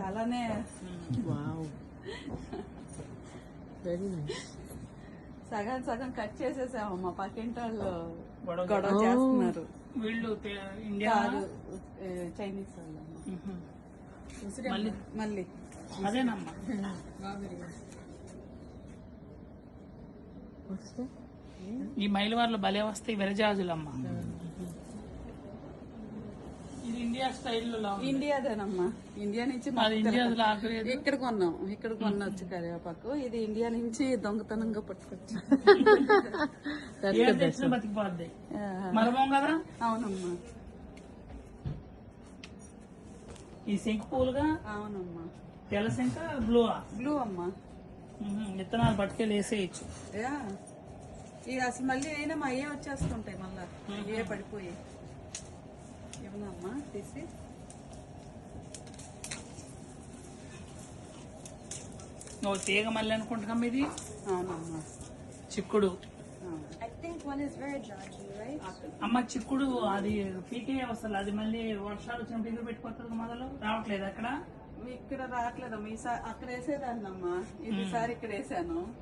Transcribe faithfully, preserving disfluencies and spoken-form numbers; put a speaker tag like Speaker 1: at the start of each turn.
Speaker 1: చాలానే
Speaker 2: wow, very nice.
Speaker 1: సగం సగం కట్ చేసేసామమ్మా, పక్కింటి వాళ్ళు
Speaker 3: గొడవ
Speaker 1: గొడవ చేస్తున్నారు.
Speaker 3: వీళ్ళు తె- ఇండియా
Speaker 1: కాదు, ఏ, చైనీస్ వాళ్ళమ్మా.
Speaker 3: మ్మ్. మళ్ళీ
Speaker 1: మళ్ళీ
Speaker 3: అదేనమ్మా.
Speaker 2: వస్తే
Speaker 3: ఈ మైలవార్లు భలే వస్తాయి విరజాజులమ్మా. ఇది ఇండియా స్టైల్లో
Speaker 1: ఇండియాదేనమ్మా, ఇండియా నుంచి
Speaker 3: అది
Speaker 1: మాకు
Speaker 3: ఇండియా
Speaker 1: తెలక-
Speaker 3: ఆగలేదు.
Speaker 1: ఇక్కడ కొన్నాం, ఇక్కడ కొనొచ్చు కరివేపాకు. ఇది ఇండియా నుంచి దొంగతనంగా పట్టుకొచ్చు.
Speaker 3: ఏం తెచ్చినా బతికిపోద్ది. మరమం కదా.
Speaker 1: అవునమ్మా,
Speaker 3: ఈ శంకు పూలుగా
Speaker 1: అవునమ్మా.
Speaker 3: తెల్ల శంక బ్లూ
Speaker 1: బ్లూ అమ్మా.
Speaker 3: విత్తనాలు పట్టుకెళ్ళి వేసేయచ్చు.
Speaker 1: యా, ఇది అసలు మళ్ళీ అయినా మా అయ్యే వచ్చేస్తుంటాయి, మళ్ళా ఏ పడిపోయి. ఏమన్నా తీసి
Speaker 3: ఓ తీగ మళ్ళీ అనుకుంటున్నాం. ఇది
Speaker 1: అవునమ్మా,
Speaker 3: చిక్కుడు.
Speaker 1: అవును.
Speaker 4: I think one is very dodgy, right?
Speaker 3: అమ్మ చిక్కుడు అది పీకే వస్తుంది. అది మళ్ళీ వర్షాలు వచ్చినప్పుడు ఎదురు పెట్టిపోతుంది. మొదలు రావట్లేదు అక్కడ.
Speaker 1: ఇక్కడ రావట్లేదమ్మా, ఈసారి అక్కడ వేసేదాన్నమ్మా, ఈసారి ఇక్కడ వేసాను.